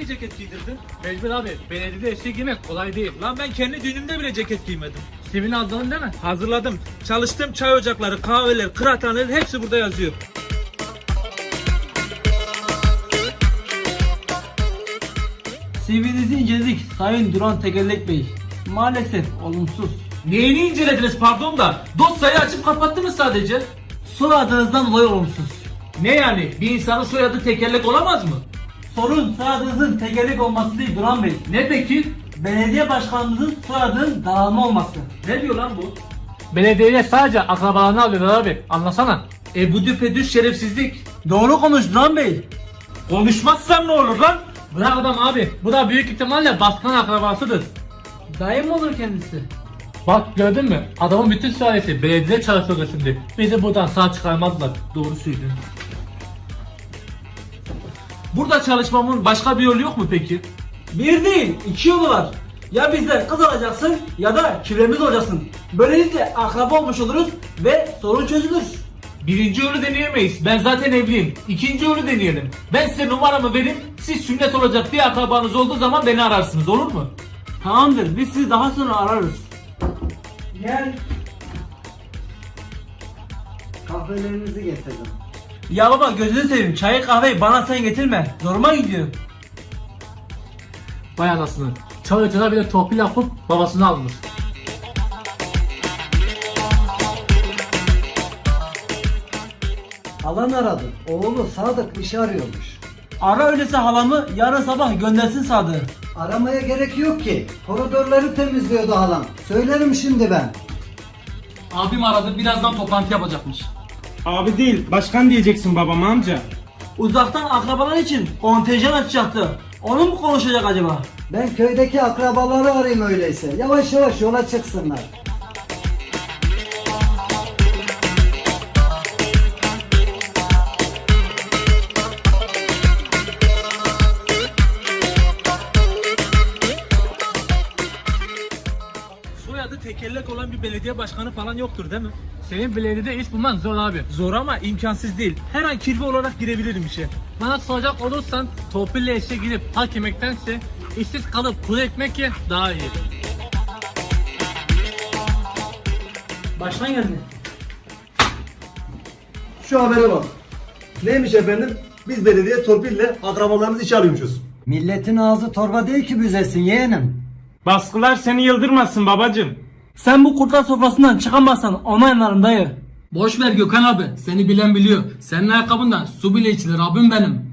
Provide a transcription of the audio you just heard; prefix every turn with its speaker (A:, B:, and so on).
A: ceket giydirdin?
B: Mecbur abi. Belediyede eşek giymek kolay değil.
A: Lan ben kendi düğünümde bile ceket giymedim.
B: Sivil hazırladın değil mi?
A: Hazırladım. Çalıştığım çay ocakları, kahveler, kıraathaneler hepsi burada yazıyor.
C: CV'nizi inceledik Sayın Duran Tekerlek Bey. Maalesef olumsuz.
A: Neyini incelediniz pardon da? Dosyayı açıp kapattınız sadece.
C: Soyadınızdan dolayı olumsuz.
A: Ne yani? Bir insanın soyadı tekerlek olamaz mı?
C: Sorun soyadınızın tekerlek olması değil Duran Bey.
A: Ne peki?
C: Belediye başkanınızın soyadının dağılma olması.
A: Ne diyor lan bu?
B: Belediyeye sadece akrabalarını alıyorlar abi. Anlasana.
A: Bu düpedüz şerefsizlik.
C: Doğru konuş Duran Bey.
A: Konuşmazsam ne olur lan?
B: Bırak adam abi. Bu da büyük ihtimalle başkan akrabasıdır.
C: Dayı mı olur kendisi?
B: Bak gördün mü? Adamın bütün sülalesi belediyede çalışıyor şimdi. Bizi buradan sağ çıkarmazlar.
A: Doğru söylüyorsun. Burada çalışmamın başka bir yolu yok mu peki?
C: Bir değil, iki yolu var. Ya bizden kız alacaksın ya da kübremiz olacaksın. Böylelikle akraba olmuş oluruz ve sorun çözülür.
A: Birinci yolu deneyemeyiz. Ben zaten evliyim. İkinci yolu deneyelim. Ben size numaramı vereyim. Siz sünnet olacak bir akrabanız olduğu zaman beni ararsınız. Olur mu?
C: Tamamdır, biz sizi daha sonra ararız. Gel.
D: Kahvelerinizi getirdim.
C: Ya baba gözünü seveyim, çayı kahveyi bana sen getirme. Zoruma gidiyor.
B: Vay anasını. Çalışana bile torpil yapıp babasını almış.
D: Alan aradı. Oğlu Sadık iş arıyormuş.
C: Ara öyleyse halamı yarın sabah göndersin Sadık'ı.
D: Aramaya gerek yok ki. Koridorları temizliyordu halam. Söylerim şimdi ben.
A: Abim aradı. Birazdan toplantı yapacakmış.
E: Abi değil, başkan diyeceksin babama amca.
C: Uzaktan akrabalar için kontenjan açacaktı. Onu mu konuşacak acaba?
D: Ben köydeki akrabaları arayayım öyleyse. Yavaş yavaş yola çıksınlar.
A: Soyadı tekerlek olan bir belediye başkanı falan yoktur değil mi?
B: Senin belediyede iş bulman zor abi.
A: Zor ama imkansız değil. Her an kirve olarak girebilirim işe.
B: Bana soracak olursan torpille eşe gidip hak yemektense işsiz kalıp kuru ekmek ye daha iyi.
C: Başkan geldi.
F: Şu habere bak. Neymiş efendim? Biz belediye torpille akrabalarımız işe alıyormuşuz.
D: Milletin ağzı torba değil ki büzesin yeğenim.
E: Baskılar seni yıldırmasın babacım.
C: Sen bu kurtlar sofrasından çıkamazsan ona yanarım dayı.
G: Boş ver Gökhan abi. Seni bilen biliyor. Senin ayakkabından su bile içilir abim benim.